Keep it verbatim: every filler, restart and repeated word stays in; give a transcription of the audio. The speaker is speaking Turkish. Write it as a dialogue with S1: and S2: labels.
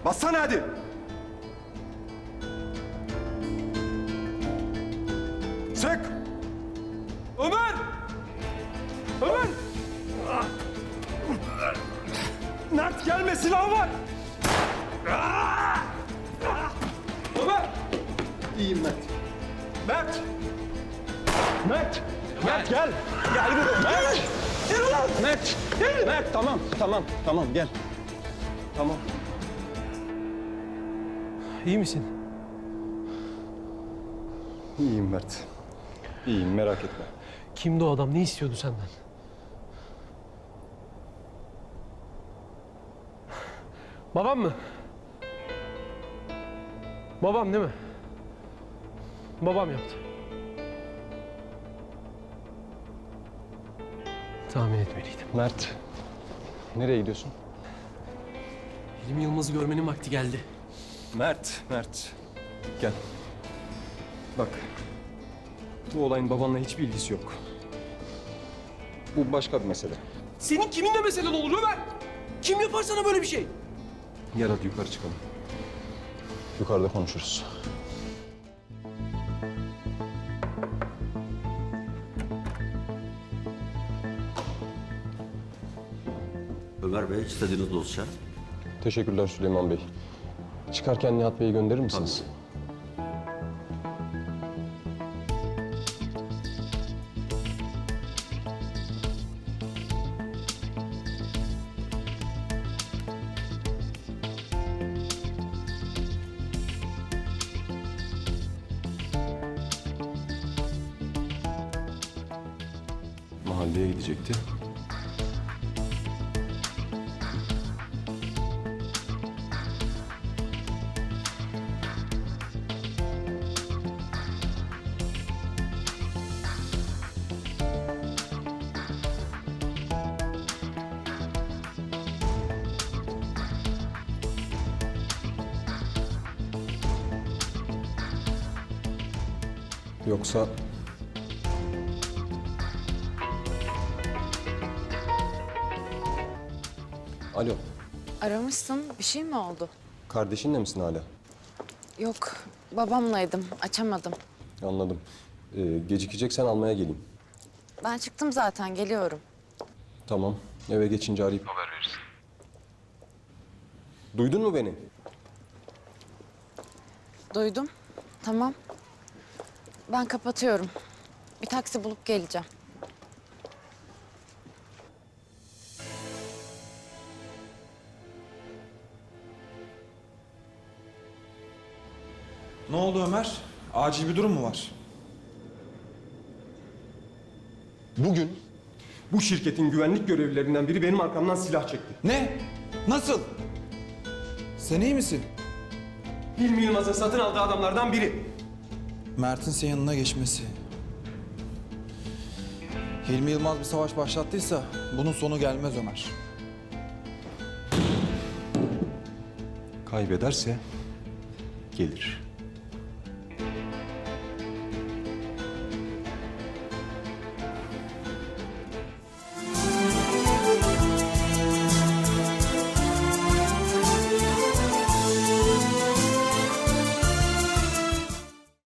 S1: Bassana hadi. Sık. Ömer! Ömer! Mert gelme, silah var. Ömer! İyiyim Mert. Mert! Mert! Mert gel! Gel buraya Mert! Yürü lan! Mert! Gel! Mert tamam, tamam, tamam gel. Tamam.
S2: İyi misin?
S1: İyiyim Mert. İyiyim, merak etme.
S2: Kimdi o adam? Ne istiyordu senden? Babam mı? Babam değil mi? Babam yaptı. Tahmin etmeliydim.
S1: Mert, nereye gidiyorsun?
S2: Hilmi Yılmaz'ı görmenin vakti geldi.
S1: Mert, Mert. Gel. Bak, bu olayın babanla hiçbir ilgisi yok. Bu başka bir mesele.
S2: Senin kiminle meselen olur Ömer? Kim yapar sana böyle bir şey?
S1: Gel hadi yukarı çıkalım. Yukarıda konuşuruz.
S3: Ömer Bey, istediğiniz dosya.
S1: Teşekkürler Süleyman Bey. Çıkarken Nihat Bey'i gönderir misiniz? Mahalleye gidecekti. Yoksa... Alo,
S4: Aramışsın. Bir şey mi oldu?
S1: kardeşinle misin hala?
S4: Yok. Babamlaydım. Açamadım.
S1: Anladım. Ee, gecikeceksen almaya geleyim.
S4: Ben çıktım zaten. Geliyorum.
S1: Tamam, eve geçince arayıp haber verirsin. Duydun mu beni?
S4: Duydum. Tamam. Ben kapatıyorum. Bir taksi bulup geleceğim.
S5: Ne oldu Ömer? Acil bir durum mu var?
S1: Bugün bu şirketin güvenlik görevlilerinden biri benim arkamdan silah çekti.
S5: Ne? Nasıl? Sen iyi misin?
S1: Hilmi Yılmaz'ın satın aldığı adamlardan biri.
S5: Mert'in senin yanına geçmesi. Hilmi Yılmaz bir savaş başlattıysa bunun sonu gelmez Ömer.
S1: Kaybederse gelir.